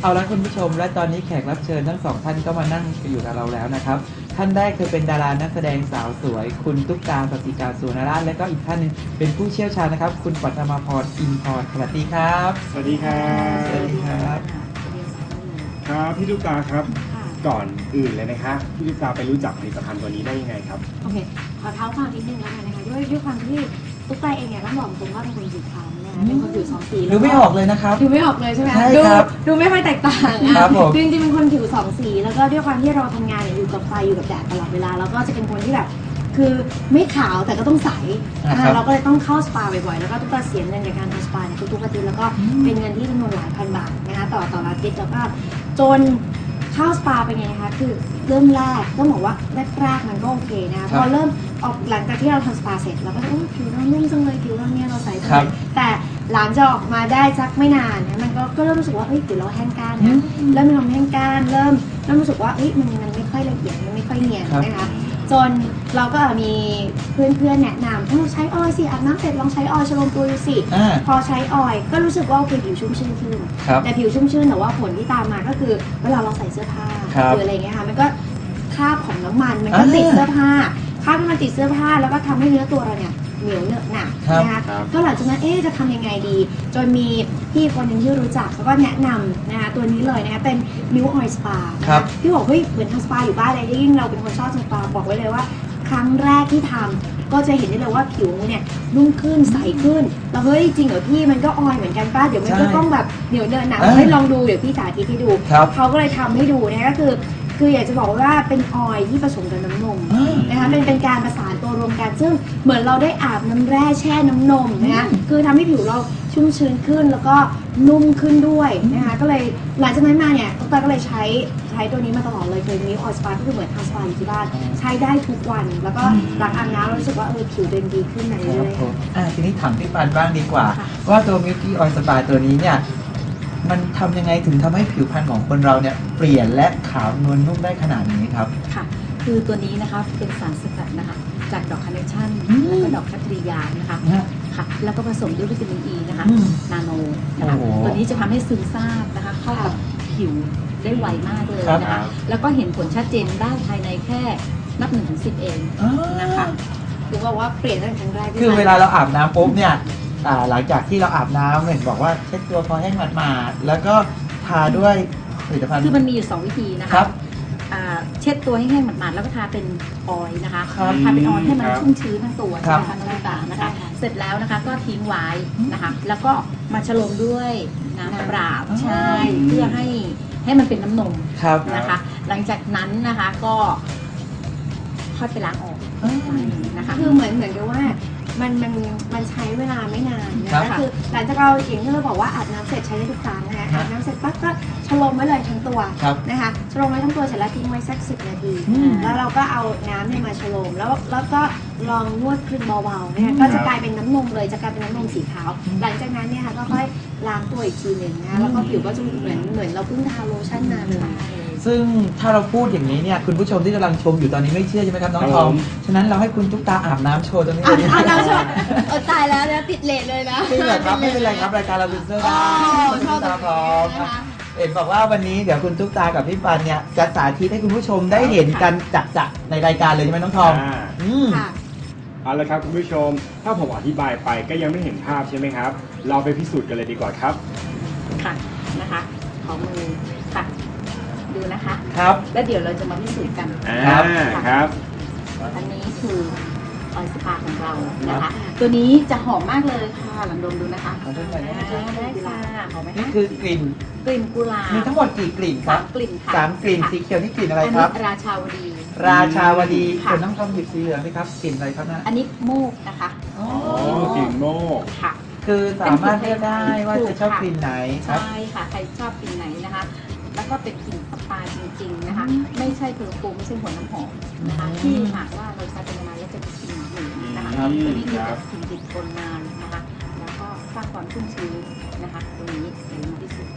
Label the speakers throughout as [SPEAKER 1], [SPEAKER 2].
[SPEAKER 1] เอาละคุณผู้ชมและตอนนี้แขกรับเชิญทั้งสองท่านก็มานั่งอยู่กับเราแล้วนะครับท่านแรกคือเป็นดารานักแสดงสาวสวยคุณตุ๊กตาสสิกาสุวรรณราชและก็อีกท่านหนึงเป็นผู้เชี่ยวชาญนะครับคุณปัทมาพรอินพรสวัสดีครับ
[SPEAKER 2] สวัสดีครับ
[SPEAKER 1] สวัสดีครับ
[SPEAKER 2] ครับพี่ตุ๊กตาครับก่อนอื่นเลยนะคะพี่ตุ๊กตาไปรู้จักผลิตภัณฑ์ตัวนี้ได้ยังไงครับ
[SPEAKER 3] โอเคขอเท้าความนิดนึงแล้วกันนะคะด้วยความที่ตุ๊กตาเองเนี่ยต้องบอกตรงว่าเป็นคนผิวคล้ำนะคะเป็นคนผิวสองสี
[SPEAKER 1] ดูไม่ออกเลยนะครับ
[SPEAKER 3] ดูไม่ออกเลยใช่ไหม
[SPEAKER 1] ใช่
[SPEAKER 3] ดู
[SPEAKER 1] ครับ
[SPEAKER 3] ดูไม่ค่อยแตกต่าง
[SPEAKER 1] ครับผม
[SPEAKER 3] จริงๆเป็นคนผิวสองสีแล้วก็ด้วยความที่เราทำงานเนี่ยอยู่กับไฟอยู่กับแดดตลอดเวลาแล้วก็จะเป็นคนที่แบบคือไม่ขาวแต่ก็ต้องใสนะคะเราก็เลยต้องเข้าสปาบ่อยๆแล้วก็ตุ๊กตาเสียเงินในการทำสปาเนี่ยทุกๆอาทิตย์แล้วก็เป็นเงินที่จำนวนหลายพันบาทนะคะต่ออาทิตย์แล้วก็จนเข้าสปาเป็นไงนะคะคือเริ่มแรกต้องบอกว่าแรกๆมันก็โอเคนะคะพอเริ่มออกหลังจากที่เราทำสปาเสร็จเราก็จะโอ้ผิวเรานุ่มจังเลยผิวเราเนี่ยเราใสจังเลยแต่หลังจากออกมาได้สักไม่นานนะมันก็เริ่มรู้สึกว่าเฮ้ยผิวเราแห้งก้านนะเริ่มมีความแห้งก้านเริ่มรู้สึกว่าเฮ้ยมันไม่ค่อยละเอียดมันไม่ค่อยเนียนนะคะจนเราก็มีเพื่อนๆแนะนำถ้าเราใช้ออยล์สิอาบน้ำเสร็จลองใช้ออยล์ชโลมตัวดูสิพอใช้ออยล์ก็รู้สึกว่าโอเคผิวชุ่มชื่นขึ้นแต่ผิวชุ่มชื่นแต่ว่าผลที่ตามมาก็คือเวลาเราใส่เสื้อผ้าหรืออะไรเงี้ยค่ะมันก็คราบของน้ำมันมันก็ติดเสื้อผ้าคราบน้ำมันติดเสื้อผ้าแล้วก็ทำให้เนื้อตัวเราเนี่ยเหนียวเหนอะหนักนะคะก็หลังจากนั้นจะทำยังไงดีจนมีพี่คนหนึ่งที่รู้จักเขาก็แนะนำนะคะตัวนี้เลยนะคะเป็นมิวออยล์สปาพี่บอกเฮ้ยเหมือนทำสปาอยู่บ้านเลยยิ่งเราเป็นคนชอบทำสปาบอกไว้เลยว่าครั้งแรกที่ทำก็จะเห็นได้เลยว่าผิวเนี่ยนุ่มขึ้นใสขึ้นแล้วเฮ้ยจริงเหรอพี่มันก็ออยเหมือนกันป้าเดี๋ยวมันก็ต้องแบบเหนียวเนินหนักเฮ้ยลองดูเดี๋ยวพี่สาธิตให้ดูเขาก็เลยทำให้ดูนะคะก็คืออยากจะบอกว่าเป็นออยล์ที่ผสมกับน้ำนมนะคะเป็นการประสานตัวรวมกันซึ่งเหมือนเราได้อาบน้ำแร่แช่น้ำนมนะคะคือทำให้ผิวเราชุ่มชื้นขึ้นแล้วก็นุ่มขึ้นด้วยนะคะก็เลยหลังจากนั้นมาเนี่ยตุ๊กตาก็เลยใช้ตัวนี้มาตลอดเลยคือมิวออยล์สปาก็คือเหมือนทำสปาอยู่ที่บ้านใช้ได้ทุกวันแล้วก็หลังอาบน้ำรู้สึกว่าผิวเดินดีขึ้นในเรื่อยๆ
[SPEAKER 1] ทีนี้ถามพี่ปันบ้างดีกว่าว่าตัวมิวตี้ออยล์สปาตัวนี้เนี่ยมันทำยังไงถึงทำให้ผิวพรรณของคนเราเนี่ยเปลี่ยนและขาวนวลนุ่มได้ขนาดนี้ครับ
[SPEAKER 4] ค่ะคือตัวนี้นะคะเป็นสารสกัดนะคะจากดอกคาร์เนชั่นแล้วก็ดอกคัตริยานะคะค่ะแล้วก็ผสมด้วยวิตามินอีนะคะนาโนนะคะตัวนี้จะทำให้ซึมซาบนะคะเข้ากับผิวได้ไวมากเลยนะคะแล้วก็เห็นผลชัดเจนได้ภายในแค่นับ1-10เองนะคะ
[SPEAKER 3] คือว่าเปลี่ยนตั้งแต่ครั้งแรก
[SPEAKER 1] คือเวลาเราอาบน้ำปุ๊บเนี่ยหลังจากที่เราอาบน้ำเห็นบอกว่าเช็ดตัวพอแห้งหมาดๆแล้วก็ทาด้วยผลิตภัณฑ์
[SPEAKER 4] คือมันมีอยู่2วิธีนะคะเช็ดตัวให้แห้งหมาดๆแล้วก็ทาเป็นออยล์นะคะทาเป็นออยล์ให้มันชุ่มชื้นทั้งตัวใช่ไหมคะต่างๆนะคะเสร็จแล้วนะคะก็ทิ้งไว้นะคะแล้วก็มาฉโลมด้วยน้ำเปล่าใช่เพื่อให้มันเป็นน้ำนมนะคะหลังจากนั้นนะคะก็ค่อยไปล้างออกนะคะ
[SPEAKER 3] คือเหมือนกับว่ามันใช้เวลาไม่นานนะคะคือหลังจากเราอย่างที่เราบอกว่าอาบน้ำเสร็จใช้ได้ทุกครั้งนะคะอาบน้ำเสร็จปั๊บก็ชโลมไว้เลยทั้งตัวนะคะชโลมไว้ทั้งตัวเสร็จแล้วทิ้งไว้สัก10 นาทีแล้วเราก็เอาน้ำเนี่ยมาชโลมแล้วก็ลองนวดคลึงเบาๆนะคะก็จะกลายเป็นน้ำนมเลยจะกลายเป็นน้ำนมสีขาวหลังจากนั้นเนี่ยค่ะก็ค่อยล้างตัวอีกทีหนึ่งนะแล้วก็ผิวก็จะเหมือนเราเพิ่งทาโลชั่นมาเลย
[SPEAKER 1] ซึ่งถ้าเราพูดอย่างนี้เนี่ยคุณผู้ชมที่กำลังชมอยู่ตอนนี้ไม่เชื่อใช่ไหมครับน้องทอมฉะนั้นเราให้คุณตุ๊กตาอาบน้ำโชว์ตรงนี้เลย
[SPEAKER 3] อาบน้ำโชว์ตายแล้วนะติดเลทเลยนะ
[SPEAKER 1] ไม่เป็นไรครับไม่เป็นไรครับรายการเราเป็นเสื้อได้คุณตุ๊กตาพร้อมเห็นบอกว่าวันนี้เดี๋ยวคุณตุ๊กตากับพี่ปันเนี่ยจะสาธิตให้คุณผู้ชมได้เห็นกันจักๆในรายการเลยใช่ไหมน้องทอม
[SPEAKER 2] เอาละครับคุณผู้ชมถ้าผมอธิบายไปก็ยังไม่เห็นภาพใช่ไหมครับเราไปพิสูจน์กันเลยดีกว่าครับ
[SPEAKER 4] ค่ะนะคะขอมือค่ะดูนะคะ
[SPEAKER 1] ครับ
[SPEAKER 4] แล้วเดี๋ยวเราจะมาพิสูจน์กัน
[SPEAKER 2] ครับ
[SPEAKER 4] อันนี้คือออยล์สปาของเรานะคะตัวนี้จะหอมมากเลยค่ะลองดมดูนะคะ
[SPEAKER 1] ได้
[SPEAKER 4] ค่ะหอมไหมคะ
[SPEAKER 1] นี่คือกลิ่น
[SPEAKER 4] กุหลาบ
[SPEAKER 1] มีทั้งหมดกี่กลิ่นครับ
[SPEAKER 4] 3 กลิ่นค่ะ
[SPEAKER 1] 3 กลิ่นสีเขียวนี่กลิ่นอะไรครับ
[SPEAKER 4] ราชาวดี
[SPEAKER 1] ส่วนน้องทอมหยิบสีเหลืองนี่ครับกลิ่นอะไรครับนะ
[SPEAKER 4] อันนี้โมกนะคะ
[SPEAKER 2] กลิ่นโมก
[SPEAKER 4] ค่ะ
[SPEAKER 1] คือสามารถเลือกได้ว่าจะชอบกลิ่นไหนครับ
[SPEAKER 4] ใช่ค่ะใครชอบกลิ่นไหนนะคะแล้วก็เป็นกลิ่นสปาจริงๆนะคะไม่ใช่เพอร์ฟูมไม่ใช่หัวน้ำหอมนะคะที่หากว่าเราใช้เป็นนานแล้วจะมีกลิ่นหึงนะคะตัวนี้จะกลิ่นติดทนนานนะคะแล้วก็สร้างความชุ่มชื้นนะคะตรงนี้เดี๋ยวมาพิสูจน์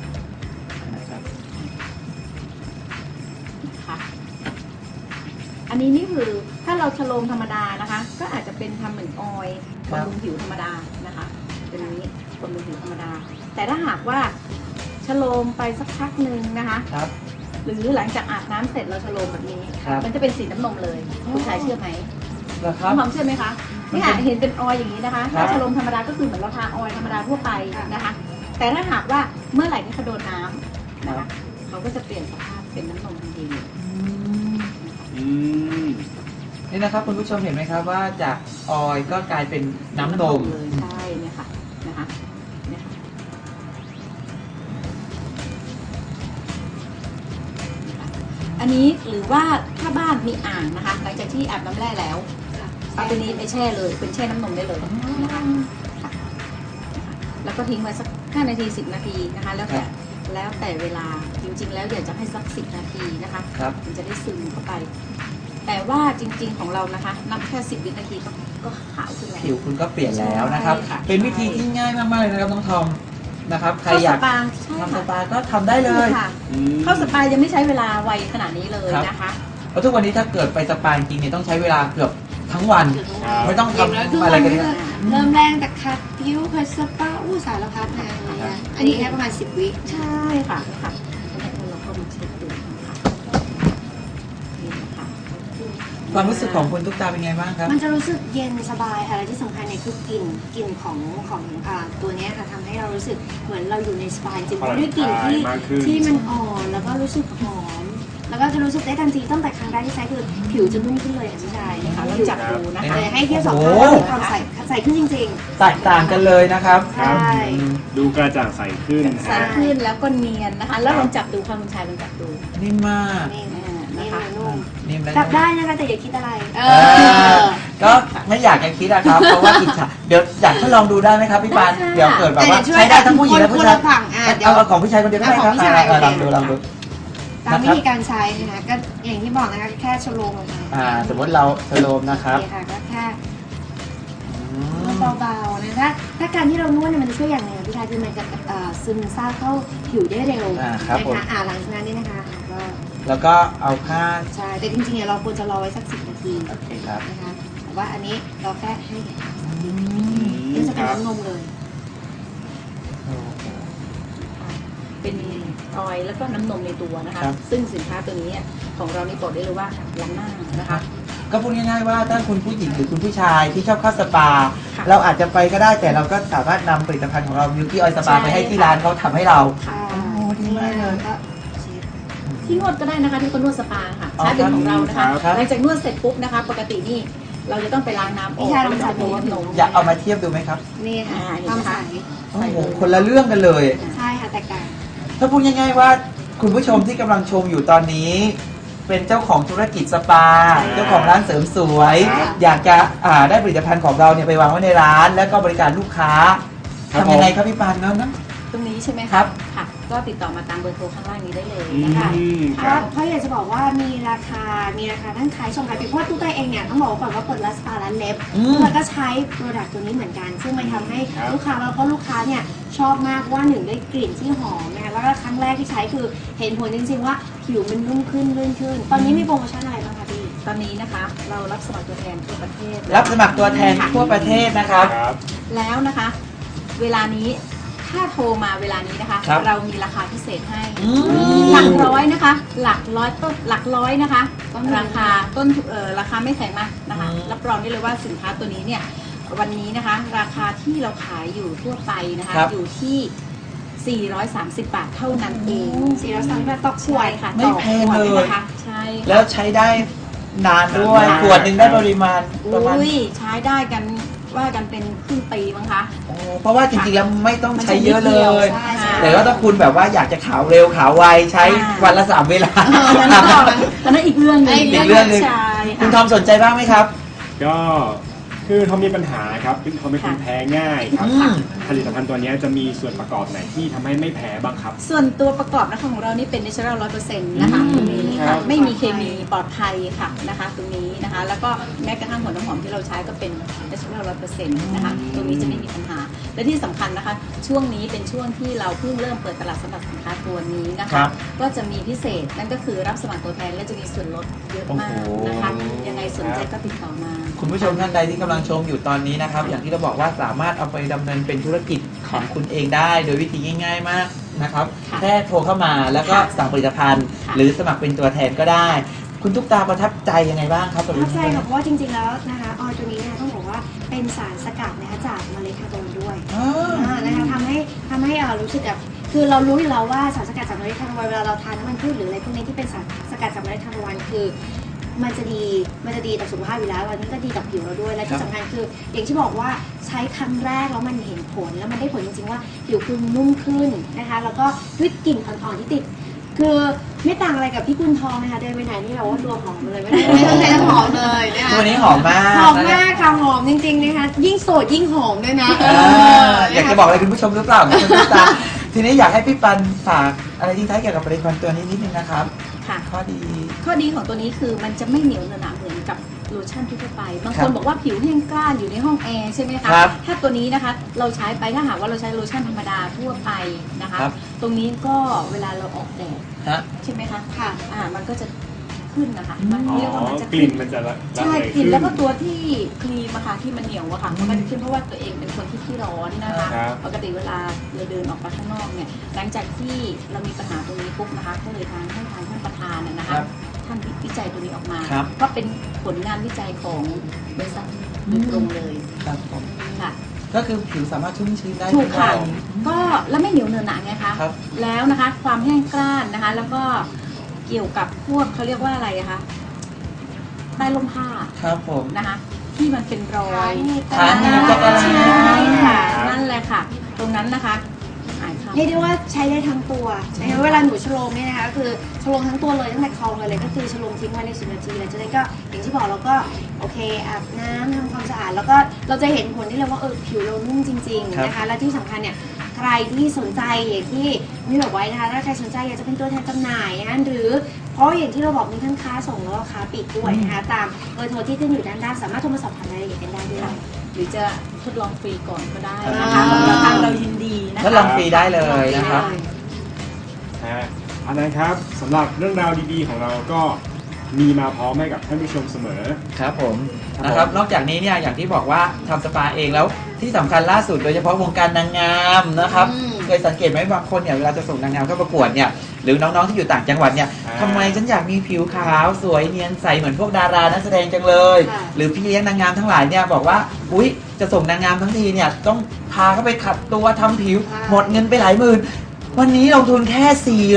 [SPEAKER 4] ค่ะอันนี้นี่คือถ้าเราชโลมธรรมดานะคะก็อาจจะเป็นทำเหมือนออยล์บำรุงผิวธรรมดานะคะตัวนี้บำรุงผิวธรรมดาแต่ถ้าหากว่าชโลมไปสักพักหนึ่งนะคะ
[SPEAKER 1] ครับ
[SPEAKER 4] หรือหลังจากอาบน้ำเสร็จเราชโลมแบบนี้
[SPEAKER 1] ครับ
[SPEAKER 4] มันจะเป็นสีน้ำนมเลยผู้ชายเชื่อไหม
[SPEAKER 1] เหรอครับ
[SPEAKER 4] น้องหอมเชื่อไหมคะนี่ค่ะเห็นเป็นออยล์อย่างนี้นะคะ
[SPEAKER 1] ครั
[SPEAKER 4] ถ้า
[SPEAKER 1] บ
[SPEAKER 4] ชโลมธรรมดาก็คือเหมือนเราทาออยล์ธรรมดาทั่วไปนะคะ แต่ถ้าหากว่าเมื่อไหร่ที่เขาโดนน้ำนะคะเขาก็จะเปลี่ยนสภาพเป็นน้ำนมทันที
[SPEAKER 2] อืม
[SPEAKER 1] นี่นะครับคุณผู้ชมเห็นไหมครับว่าจากออยล์ก็กลายเป็นน้ำนม
[SPEAKER 4] เลยใช่เนี่ยค่ะนะคะเนี่ยค่ะอันนี้หรือว่าถ้าบ้านมีอ่างนะคะหลังจากที่อาบน้ำแร่แล้วเอาตัวนี้ไปแช่เลยเป็นแช่น้ำนมได้เลยนะคะค่ะแล้วก็ทิ้งไว้สัก5 นาที 10 นาทีนะคะแล้วแต่เวลาจริง ๆ แล้วอยากจะให้สัก10 นาทีนะคะ
[SPEAKER 1] ครับ
[SPEAKER 4] มันจะได้ซึมเข้าไป แต่ว่าจริงๆของเรานะคะนับแค่10 วินาทีก็ขาวขึ้นแล้ว
[SPEAKER 1] ผิวคุณก็เปลี่ยนแล้วนะครับ
[SPEAKER 4] ใช่ค่ะ
[SPEAKER 1] เป็นวิธีที่ง่ายมากๆเลยนะครับน้องทอมนะครับ ใครอยาก
[SPEAKER 4] เข้าสปาใช่
[SPEAKER 1] ทำส
[SPEAKER 4] ค่ะ
[SPEAKER 1] ปาก็ทำได้เลย
[SPEAKER 4] ค่ะ
[SPEAKER 2] อืม
[SPEAKER 4] เข้าสปายังไม่ใช้เวลาไวขนาดนี้เลย
[SPEAKER 1] ครับ
[SPEAKER 4] นะคะ
[SPEAKER 1] เพราะทุกวันนี้ถ้าเกิดไปสปาจริงๆเนี่ยต้องใช้เวลาเกือบทั้งวัน ไม่ต้องทำอะไรกันเลย
[SPEAKER 3] เริ่มแรงแต่คัดผิวคัดสปาสารพัดนะอันนี้แค่ประมาณ10 วิ
[SPEAKER 4] ใช่ค่ะค่ะแล้วเราก็มาเช็ดดูนะคะนี่นะคะ
[SPEAKER 1] ความรู้สึกของคุณตุ๊กตาเป็นไงบ้างครับ
[SPEAKER 3] มันจะรู้สึกเย็นสบายค่ะและที่สำคัญเนี่ยคือกลิ่นของตัวเนี้ยค่ะทำให้เรารู้สึกเหมือนเราอยู่ในสปาจริงๆเพราะด้วยกลิ่นที่มันอ่อนแล้วก็รู้สึกหอม แล้วก็จะรู้สึกได้ทันทีตั้งแต่ครั้งแรกที่ใช้คือผิวจะนุ่มขึ้นเลยอ่ะพี่ชาย
[SPEAKER 4] นี่
[SPEAKER 3] นะ
[SPEAKER 4] ค่ะ
[SPEAKER 3] คะ
[SPEAKER 4] เราจับดูนะคะ
[SPEAKER 3] เลยให้เทียบสอง
[SPEAKER 1] โอ้
[SPEAKER 3] ข้าง
[SPEAKER 1] โห
[SPEAKER 3] มีความใสขึ้นจริง
[SPEAKER 1] แตกต่างกันเลยนะครับ
[SPEAKER 3] ๆ ใช่
[SPEAKER 2] ดูกระจ่างใสขึ้น
[SPEAKER 4] ใสขึ้นแล้วก็เนียนนะคะ แล้วลองจับดูค่ะคุณชายลองจับดู
[SPEAKER 1] นิ่มมาก
[SPEAKER 3] นี่
[SPEAKER 4] อ่า
[SPEAKER 3] นี่
[SPEAKER 4] นะคะ
[SPEAKER 3] นุ่ม
[SPEAKER 1] นิ่มและ
[SPEAKER 3] จับได้นะคะแต่อย่าคิดอะไร
[SPEAKER 1] ก็ไม่อยากจะคิดนะครับ เพราะว่าอิจฉาเดี๋ยวอยากทดลองดูได้ไหมครับพี่ปานเดี๋ยวเกิดแบบว่าใช้ได้ทั้งผู้หญิงและผู้ชาย
[SPEAKER 3] ฝั่งเดี๋ยว
[SPEAKER 1] เอาของผู้ชายคนเดียวก็ได้ครับ
[SPEAKER 3] เอาของผู้ชาย
[SPEAKER 1] ลองดูลองดู
[SPEAKER 3] ตามวิธีการใช้นะคะก็อย่างที่บอกนะคะแค่ชโลมลงไป
[SPEAKER 1] สมมติเราสโลมนะครับ
[SPEAKER 3] โอเคค่ะก็แค่เบาๆนะถ้าการที่เรานวดเนี่ยมันจะช่วยอย่างหนึ่งพี่ชายคือมันจะซึมซาบเข้าผิวได้เร็ว
[SPEAKER 1] ครับผม
[SPEAKER 3] นะคะหลังจากนั้นนี่นะคะก็
[SPEAKER 1] แล้วก็เอาผ้า
[SPEAKER 3] ใช่แต่จริงๆเนี่ยเราควรจะรอไว้สัก10 นาที
[SPEAKER 1] โอเคครับ
[SPEAKER 3] นะคะแต่ว่าอันนี้เราแค่ให้เห็น
[SPEAKER 1] อืม
[SPEAKER 3] นี่จะเป็นน้ำนมเลย
[SPEAKER 4] เป็นออยล์แล้วก็น้ำนมในตัวนะคะ
[SPEAKER 1] ครับ
[SPEAKER 4] ซึ่งสินค้าตัวนี้ของเรานี่บอกได้เลยว่าล้ำหน้านะคะ
[SPEAKER 1] ก็พูดง่ายๆว่าถ้าคุณผู้หญิงหรือคุณผู้ชายที่ชอบเข้าสปา
[SPEAKER 4] ค่ะ
[SPEAKER 1] เราอาจจะไปก็ได้แต่เราก็สามารถนำผลิตภัณฑ์ของเรามิลกี้ออยสปา
[SPEAKER 4] ใช่
[SPEAKER 1] ไปให้ที่ร้านเขาทำให้เรา
[SPEAKER 3] ค่ะ
[SPEAKER 1] โอ้ดีมากเลย
[SPEAKER 3] ก็เช็ด
[SPEAKER 4] ที่นวดก็ได้นะคะที่คนนวดสปาค่ะ
[SPEAKER 1] อ๋อ
[SPEAKER 4] ใช้เป็นของเรานะคะ
[SPEAKER 1] ครับ
[SPEAKER 4] หลังจากนวดเสร็จปุ๊บนะคะ ปกตินี่เราจะต้องไปล้างน้ำออก
[SPEAKER 3] พี่ชายลองจับดู
[SPEAKER 4] แล้วก็นม
[SPEAKER 1] อยากเอามาเทียบดูไหมครับ
[SPEAKER 3] นี่ค่ะ
[SPEAKER 4] อ่าเห็น
[SPEAKER 3] ความ
[SPEAKER 4] ไหม
[SPEAKER 3] ใส
[SPEAKER 4] คะ
[SPEAKER 1] โอ้โหคนละเรื่องกันเลย
[SPEAKER 3] ใช่ค่ะแตกต่าง
[SPEAKER 1] ถ้าพูดง่ายๆว่าคุณผู้ชมที่กำลังชมอยู่ตอนนี้ เป็นเจ้าของธุรกิจสปา เจ้าของร้านเสริมสวย
[SPEAKER 2] ครับ
[SPEAKER 1] อยากจะได้ผลิตภัณฑ์ของเราเนี่ยไปวางไว้ในร้าน แล้วก็บริการลูกค้า
[SPEAKER 2] ครับ
[SPEAKER 1] ทำยังไงครับพี่ปานเนาะ
[SPEAKER 4] ตรงนี้ใช่ไหมะ
[SPEAKER 1] ครับ
[SPEAKER 4] ค่ะ ก็ติดต่อมาตามเบอร์โทรข้างล่างนี้ได้เลย
[SPEAKER 2] อื
[SPEAKER 4] นะคะ
[SPEAKER 2] มค
[SPEAKER 3] เพ
[SPEAKER 2] รั
[SPEAKER 3] ราะ
[SPEAKER 2] บ
[SPEAKER 3] เพราะอยากจะบอกว่ามีราคาทั้งขายส่งขายปลีกเพราะว่าตุ๊กตาเองเนี่ยต้องบอกก่อนว่าเปิดร้านสปาร้านเล็บ
[SPEAKER 1] อืม
[SPEAKER 3] แล้วก็ใช้โปรดักต์ตัวนี้เหมือนกัน ซึ่งมันทำให้
[SPEAKER 2] ครับ
[SPEAKER 3] ลูกค้าแล้วก็ลูกค้าเนี่ยชอบมากว่าหนึ่งได้กลิ่นที่หอมนะคะแล้วก็ครั้งแรกที่ใช้คือเห็นผลจริงๆว่าผิวมันนุ่มขึ้นลื่นขึ้น ตอนนี้มีโปรโมชั่นอะไรบ้างคะพี่
[SPEAKER 4] ตอนนี้นะคะ เรารับสมัครตัวแทนทั่วประเทศ
[SPEAKER 1] รับสมัครตัวแทนทั่วประเทศนะครับ
[SPEAKER 2] ครับ
[SPEAKER 4] แล้วนะคะ เวลานี้ถ้าโทรมาเวลานี้นะคะ
[SPEAKER 1] ครับ
[SPEAKER 4] เรามีราคาพิเศษให้
[SPEAKER 1] อืม
[SPEAKER 4] หลักร้อยนะคะ หลักร้อยนะคะ
[SPEAKER 3] ต้นทุน
[SPEAKER 4] ราคาไม่แพงมากนะคะ รับรองได้เลยว่าสินค้าตัวนี้เนี่ยวันนี้นะคะ ราคาที่เราขายอยู่ทั่วไปนะคะ
[SPEAKER 1] ครับ
[SPEAKER 4] อยู่ที่ 430 บาทเท่านั้นเอง
[SPEAKER 3] 430 บาทต่อขว
[SPEAKER 4] ใช่
[SPEAKER 3] ด
[SPEAKER 4] ค่ะ
[SPEAKER 1] ไม่แพงเลย
[SPEAKER 4] ต่อขวดนะคะใช่ค่ะ
[SPEAKER 1] แล้วใช้ได้นานด้วย
[SPEAKER 2] นาน
[SPEAKER 1] ขวดหนึ่งได้ปริมาณประมาณ
[SPEAKER 4] อุ้ยใช้ได้กันว่ากันเป็นครึ่งปีมั้งคะ
[SPEAKER 1] โอ้เพราะว่าจริงๆแล้วไม่ต้องใช้เยอะเลย
[SPEAKER 3] ใช่ใช่
[SPEAKER 1] แต่ว่าถ้าคุณแบบว่าอยากจะขาวเร็วขาวไวใช้วันละ3 เวลา
[SPEAKER 4] ตอนนั้นอีกเรื่องหนึง
[SPEAKER 1] อีกเรื่องหนึ่ง
[SPEAKER 4] ใช่
[SPEAKER 1] คุณท
[SPEAKER 4] ค่ะ
[SPEAKER 1] อมสนใจบ้างไหมครับ
[SPEAKER 2] ก็คือเขามีปัญหาครับเขาเป็นคนแพ้ง่ายครับ
[SPEAKER 1] อืม
[SPEAKER 2] ผลิตภัณฑ์ตัวนี้จะมีส่วนประกอบไหนที่ทำให้ไม่แพ้บ้างครับ
[SPEAKER 4] ส่วนตัวประกอบนะคะของเรานี่เป็น natural 100%นะคะ
[SPEAKER 1] อืม
[SPEAKER 4] ตรงนี้
[SPEAKER 2] ครั
[SPEAKER 4] ค่ะ
[SPEAKER 2] บ
[SPEAKER 4] ไม่มีเคมีปลอดภัยค่ะนะคะตรงนี้นะคะ แล้วก็แม้กระทั่งหัวน้ำหอมที่เราใช้ก็เป็น natural 100%นะคะตรงนี้จะไม่มีปัญหา และที่สำคัญนะคะ ช่วงนี้เป็นช่วงที่เราเพิ่งเริ่มเปิดตลาดสำหรับสินค้าตัวนี้นะ
[SPEAKER 1] ครั
[SPEAKER 4] คะ
[SPEAKER 1] บ
[SPEAKER 4] ก็จะมีพิเศษนั่นก็คือรับสมัครตัวแทนและจะมีส่วนลดเยอะมาก
[SPEAKER 1] โอ้โห
[SPEAKER 4] นะคะยังไงสนใจก็ติดต่อมา
[SPEAKER 1] คุณผู้ชมท่านใดที่กำลังชมอยู่ตอนนี้นะครับ อย่างที่เราบอกว่าสามารถเอาไปดำเนินเป็นธุรกิจของคุณเองได้ โดยวิธีง่ายๆมากนะครับ
[SPEAKER 4] ค่ะ
[SPEAKER 1] แค่โทรเข้ามาแล้วก็สั่งผลิตภัณฑ์
[SPEAKER 4] ค่ะ
[SPEAKER 1] หรือสมัครเป็นตัวแทนก็ได้ คุณตุ๊กตาประทับใจยังไงบ้างครับ
[SPEAKER 3] ประทับใจค่ะเพราะว่าจริงๆแล้วนะคะออยตัวนี้เนี่ยต้องบอกว่าเป็นสารสกัดนะคะจากเมล็ดคาร์โบนด้วย
[SPEAKER 1] อ๋อ
[SPEAKER 3] นะคะทำให้รู้สึกแบบคือเรารู้อยู่แล้วว่าสารสกัดจากเมล็ดทานตะวันเวลาเราทานน้ำมันพืชหรืออะไรพวกนี้ที่เป็นสารสกัดจากเมล็ดทานตะวันคือมันจะดีต่อสุขภาพอยู่แล้ววันนี้ก็ดีกับผิวเราด้วยและที่สำคัญคืออย่างที่บอกว่าใช้ครั้งแรกแล้วมันเห็นผลแล้วมันได้ผลจริงๆว่าผิวคุณนุ่มขึ้นนะคะแล้วก็ด้วยกลิ่นอ่อนๆที่ติด คือไม่ต่างอะไรกับพี่กุลทองนะคะเดินไปไหนนี่แบบว่าตัวหอมเลยไม่ต้องใช้น้ำหอมเลยนะคะ
[SPEAKER 1] ตัวนี้หอมมาก
[SPEAKER 3] หอมมากค่ะหอมจริงๆนะคะยิ่งโสดยิ่งหอมด้วยนะ
[SPEAKER 1] อยากจะบอกอะไรคุณผู้ชมหรือเปล่าคุณตุ๊กตาทีนี้อยากให้พี่ปันฝากอะไรทิ้งท้ายเกี่ยวกับผลิตภัณฑ์ตัวนี้นิดนึงนะครับ
[SPEAKER 4] ค่ะ
[SPEAKER 1] ข้อดี
[SPEAKER 4] ข้อดีของตัวนี้คือมันจะไม่เหนียวหนะเหมือนกับโลชั่นทั่วไป บาง
[SPEAKER 1] ครั
[SPEAKER 4] ค
[SPEAKER 1] บ
[SPEAKER 4] นบอกว่าผิวแห้งกร้านอยู่ในห้องแอร์ใช่ไหมคะ
[SPEAKER 1] ครับ
[SPEAKER 4] ถ้าตัวนี้นะคะเราใช้ไปถ้าหากว่าเราใช้โลชั่นธรรมดาทั่วไปนะคะ
[SPEAKER 1] ครับ
[SPEAKER 4] ตรงนี้ก็เวลาเราออกแดด
[SPEAKER 1] ฮะ
[SPEAKER 4] ใช่ไหมคะ
[SPEAKER 3] ค่ะ
[SPEAKER 4] มันก็จะขึ้นนะคะ มัน
[SPEAKER 2] อ๋อ
[SPEAKER 4] เรียกว่ามันจะ
[SPEAKER 2] ก
[SPEAKER 4] ขึ้
[SPEAKER 2] ลิ่
[SPEAKER 4] น
[SPEAKER 2] นมันจะละ
[SPEAKER 4] ใช่
[SPEAKER 2] ระเหย
[SPEAKER 4] กลิ่น
[SPEAKER 2] ขึ้
[SPEAKER 4] แล้วก็ตัวที่ครีมอะค่ะที่มันเหนียวอะค่ะ
[SPEAKER 1] อืม
[SPEAKER 4] มันก็จะขึ้นเพราะว่าตัวเองเป็นคนที่ขี้ร้อนนะคะ
[SPEAKER 2] ครับ
[SPEAKER 4] ปกติเวลาเราเดินออกไปข้างนอกเนี่ยหลังจากที่เรามีปัญหาตรงนี้ปุ๊บนะคะก็เลยให้ทางท่านประธานนะ
[SPEAKER 1] ครั
[SPEAKER 4] คะ
[SPEAKER 1] บ
[SPEAKER 4] ท่านวิจัยตัวนี้ออกมา
[SPEAKER 1] ครับ
[SPEAKER 4] ก็เป็นผลงานวิจัยของบริษัทโดยตรงเลย
[SPEAKER 1] ครับผม
[SPEAKER 4] ค่ะ
[SPEAKER 1] ก็คือผิวสามารถชุ่มชื้นได้
[SPEAKER 4] ถูกค่ะ
[SPEAKER 1] ทุวัน
[SPEAKER 4] ก็แล้วไม่เหนียวเนอะหนะไงคะ
[SPEAKER 1] ครับ
[SPEAKER 4] แล้วนะคะความแห้งกร้านนะคะ แล้วก็เกี่ยวกับพวกเขาเรียกว่าอะไรอะคะใต้ร่มผ้า
[SPEAKER 1] ครับผม
[SPEAKER 4] นะคะ ที่มันเป็นรอย
[SPEAKER 1] ขาหนีบจักร
[SPEAKER 4] ใช่
[SPEAKER 1] ยาน
[SPEAKER 4] ค่ะนั่นแหละค่ะ ตรงนั้นนะคะหายค่ะ
[SPEAKER 3] เรียกได้ว่าใช้ได้ทั้งตัวนะคะเวลาหนูชโลมเนี่ยนะคะก็คือชโลมทั้งตัวเลยตั้งแต่คอเลยก็คือชโลมทิ้งไว้ใน10 นาทีหลังจากนั้นก็อย่างที่บอกเราก็โอเคอาบน้ำทำความสะอาดแล้วก็เราจะเห็นผลที่เลยว่าผิวเรานุ่มจริงๆนะคะและที่สำคัญเนี่ยใครที่สนใจอย่างที่มีบอกไว้นะคะถ้าใครสนใจอยากจะเป็นตัวแทนจำหน่ายนะคะหรือเพราะอย่างที่เราบอกมีทั้งค้าส่งแล้วก็ค้าปลีกด้วยนะคะตามเบอร์โทรที่ขึ้นอยู่ด้านล่างสามารถโทรมาสอบถามรายละเอียดกันได้ด้วย
[SPEAKER 4] หรือจะทดลองฟรีก่อนก็ได้
[SPEAKER 3] อ่
[SPEAKER 4] นะคะ
[SPEAKER 3] า
[SPEAKER 4] ทางเรายินดีนะ
[SPEAKER 1] ทดล
[SPEAKER 4] คะ
[SPEAKER 1] องฟรีได้เลยนะครับ
[SPEAKER 2] อันนั้นครับสำหรับเรื่องราวดีๆของเราก็มีมาพร้อมให้กับท่านผู้ชมเสมอ
[SPEAKER 1] ครับผม
[SPEAKER 2] ครับ
[SPEAKER 1] นะครับนอกจากนี้เนี่ยอย่างที่บอกว่าทำสปาเองแล้วที่สำคัญล่าสุดโดยเฉพาะวงการนางงามนะครับ
[SPEAKER 3] อืม
[SPEAKER 1] เคยสังเกตไหมบางคนเนี่ยเวลาจะส่งนางงามเข้าประกวดเนี่ยหรือน้องๆที่อยู่ต่างจังหวัดเนี่ย
[SPEAKER 2] อ่า
[SPEAKER 1] ทำไมฉันอยากมีผิวขาวสวยเนียนใสเหมือนพวกดารานักแสดงจังเลย
[SPEAKER 3] ค่ะ
[SPEAKER 1] หรือพี่เลี้ยงนางงามทั้งหลายเนี่ยบอกว่าอุ๊ยจะส่งนางงามทั้งทีเนี่ยต้องพาเขาไปขัดตัวทำผิว
[SPEAKER 3] ค่ะ
[SPEAKER 1] หมดเงินไปหลายหมื่นวันนี้ลงทุนแค่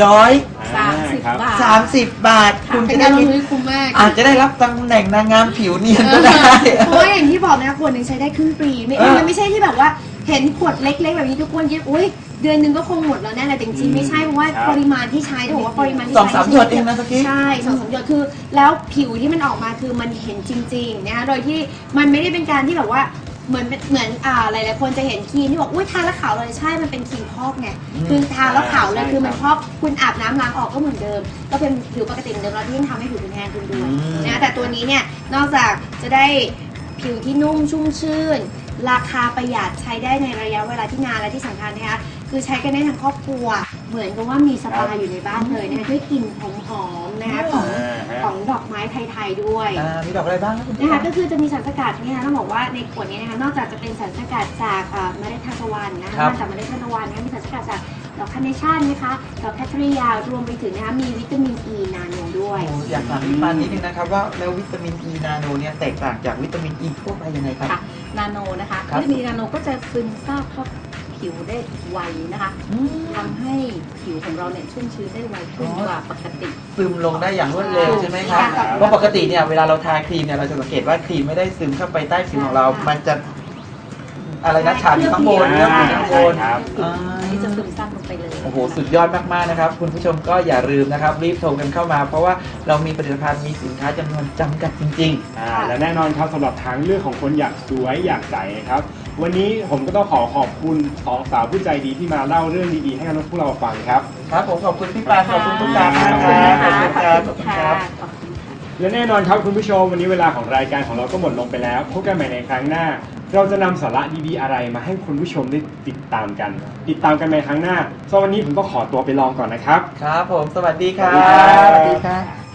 [SPEAKER 4] 30
[SPEAKER 2] ครับ
[SPEAKER 4] บาท
[SPEAKER 1] 430 บาท คุณ
[SPEAKER 3] เป็
[SPEAKER 1] จะ
[SPEAKER 3] น
[SPEAKER 1] ได้
[SPEAKER 3] การลง
[SPEAKER 1] มี
[SPEAKER 3] ทุนที่คุ้มมาก
[SPEAKER 1] อาจจะได้รับตำแหน่งนางงามผิวเนียนก็ได้
[SPEAKER 3] เพราะว่าอย่างที่บอกนะคะขวดหนึ่งใช้ได้ครึ่งปีมันไม่ใช่ที่แบบว่าเห็นขวดเล็กๆแบบนี้ทุกคนคิดอุ้ยเดือนหนึงก็คงหมดแล้วแน่เลยแต่จริงๆไม่ใช่เพราะว่า
[SPEAKER 2] ครับ
[SPEAKER 3] ปริมาณที่ใช้ต้องบอกว่าปริมาณที่
[SPEAKER 1] สอง
[SPEAKER 3] ใช้
[SPEAKER 1] สามหยดเองนะตะกี้
[SPEAKER 3] ใช่สองสามหยดคือ แล้วผิวที่มันออกมาคือมันเห็นจริงๆนะคะโดยที่มันไม่ได้เป็นการที่แบบว่าเหมือนหลายๆคนจะเห็นครีมที่บอกอุ้ยทาแล้วขาวเลยใช่มันเป็นครีมพอกไง
[SPEAKER 1] อืม
[SPEAKER 3] คือทาแล้วขาวเลย
[SPEAKER 2] ใช่
[SPEAKER 3] คือมัน
[SPEAKER 2] ครับ
[SPEAKER 3] พอกคุณอาบน้ำล้างออกก็เหมือนเดิม ก็เป็นผิวปกติเหมือนเดิมแล้วที่ทำให้ผิวคุณแห้งขึ้นด้วย นะแต่ตัวนี้เนี่ยนอกจากจะได้ผิวที่นุ่มชุ่มชื่น ราคาประหยัดใช้ได้ในระยะเวลาที่นานและที่สำคัญนะคะคือใช้กันได้ทั้งครอบครัว เหมือนกับว่ามีสปาอยู่ในบ้านเลยนะคะด้วยกลิ่นหอมๆนะคะของดอกไม้ไทยๆด้วย
[SPEAKER 1] มีดอกอะไรบ้างครับคุณ
[SPEAKER 3] นะคะก็คือจะมีสารสกัดเนี่ยต้องบอกว่าในขวดนี้นะคะนอกจากจะเป็นสารสกัดจากเมล็ดทานตะวันนะคะมาจากเมล็ดทานตะวันนะคะมีสารสกัดจากดอกคาร์เนชั่นนะคะดอกแคทเรียรวมไปถึงนะคะมีวิตามินอีนาโนด้วย
[SPEAKER 1] โอ้อยากถามพี่ปานนิดนึงนะครับว่าแล้ววิตามินอีนาโนเนี่ยแตกต่างจากวิตามินอีทั่วไปยังไงครับ
[SPEAKER 4] ค่ะนาโนนะคะ
[SPEAKER 1] ครับ
[SPEAKER 4] วิตามินนาโนก็จะซึมซาบเข้าผิวได้ไวนะคะ
[SPEAKER 1] อืม
[SPEAKER 4] ทำให้ผิวของเราเนี่ยชุ่มชื้นได้ไวขึ้น
[SPEAKER 1] อ๋อ
[SPEAKER 4] กว่าปกติ
[SPEAKER 1] ซึมลงได้อย่างรวดเร็วใช่ไหมครับ
[SPEAKER 3] ค่ะ
[SPEAKER 1] เพราะปกติเนี่ยเวลาเราทาครีมเนี่ยเราจะสังเกตว่าครีมไม่ได้ซึมเข้าไปใต้ผิวของเรา
[SPEAKER 3] ค่ะ
[SPEAKER 1] มันจะอะไรนะฉาบอยู่ข้างบน
[SPEAKER 2] ใช่
[SPEAKER 1] เรื่องอยู่ข้างบน
[SPEAKER 2] ใช่ครับ
[SPEAKER 1] อ่า
[SPEAKER 4] อันนี้จะซึมซาบลงไปเลย
[SPEAKER 1] โอ้โหสุดยอดมากๆนะครับคุณผู้ชมก็อย่าลืมนะครับรีบโทรกันเข้ามา เพราะว่าเรามีผลิตภัณฑ์มีสินค้าจำนวนจำกัดจริง
[SPEAKER 2] และแน่นอนครับสำหรับทางเลือกของคนอยากสวยอยากใสนะครับ วันนี้ผมก็ต้องขอบคุณสองสาวผู้ใจดีที่มาเล่าเรื่องดีๆให้กับพวกเราฟังครับ
[SPEAKER 1] ๆ ครับผมขอบคุณพี่ปานขอบคุณทุกท่าน
[SPEAKER 2] ข
[SPEAKER 1] นะ
[SPEAKER 2] อบ
[SPEAKER 1] ค
[SPEAKER 2] คุณ
[SPEAKER 1] รับ
[SPEAKER 2] ค่ะ
[SPEAKER 1] ขอบคุณครับ
[SPEAKER 4] ขอบคุณค่ะ
[SPEAKER 2] และแน่นอนครับคุณผู้ชมวันนี้เวลาของรายการของเราก็หมดลงไปแล้วพบกันใหม่ในครั้งหน้า เราจะนำสาระดีๆอะไรมาให้คุณผู้ชมได้ติดตามกันในครั้งหน้าสำหรับวันนี้ผมก็ขอตัวไปลองก่อนนะครับ
[SPEAKER 1] ครับผมสวัสดีครั
[SPEAKER 2] สวัสดีครับ บ
[SPEAKER 1] สวัสดีครับ